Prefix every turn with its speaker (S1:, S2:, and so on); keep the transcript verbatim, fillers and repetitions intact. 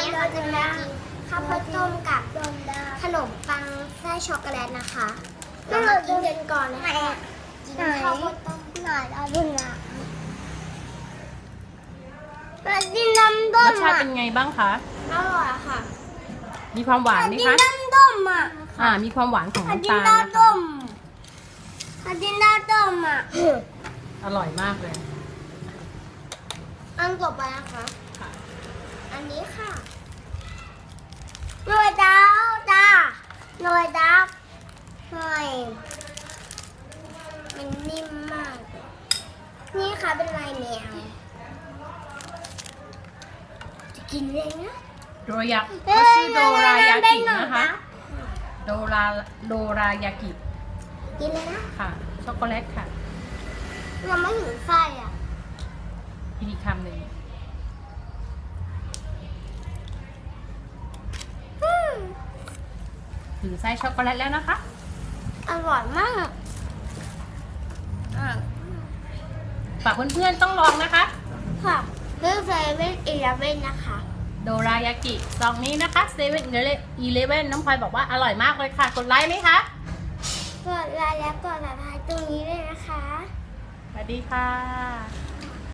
S1: เราจะมากินข้าวโพดต้มกับขนมปังไส้ช็อกโกแลตนะคะเรามากินกันก่อนนะคะกินข้าวโพดต้มหน่อยเอาดูนะเรากินน้ำต้ม
S2: รสชาติเป็นไงบ้างคะ
S1: อร่อยค่ะ
S2: มีความหวานไหม
S1: กิน
S2: คะ
S1: น้ำต้มอ่ะ
S2: อ่า มีความหวานของ
S1: กิน
S2: น้ำตาลนะคะ
S1: น้ำต้มกินน้ำต้มอ่ะ
S2: อร่อยมากเลย
S1: อันต่อไปนะคะ
S2: ค่ะ
S1: อันนี้ค่ะหน่วยดาวจ้าหน่วยดาวหน่อยมันนิ่มมากเลยนี่ค่ะเป็นลายแมวจะกินเลยนะ
S2: โดรายาเขาชื่อโดรายากินะคะ โดราโดรายากิ
S1: กินเลยนะ
S2: ค่ะ ช็อกโกแลตค่ะ
S1: เราไม่ถึงไส้อ่ะ
S2: อีกทีคำหนึ่ง
S1: อืม
S2: ถือไส้ช็อกโกแลตแล้วนะคะ
S1: อร่อยมากอ่ะ
S2: ฝากเพื่อนๆต้องลองนะคะ
S1: ค่ะเรื่องเซเว่นอีเลฟเว่นนะคะ
S2: โดรายากิซองนี้นะคะเซเว่นอีเลฟเว่นน้องพลอยบอกว่าอร่อยมากเลยค่ะ กดไลค์ไหมคะ
S1: กดไลค์และกดติดตามตรงนี้ด้วยนะคะ
S2: สวัสดีค่ะ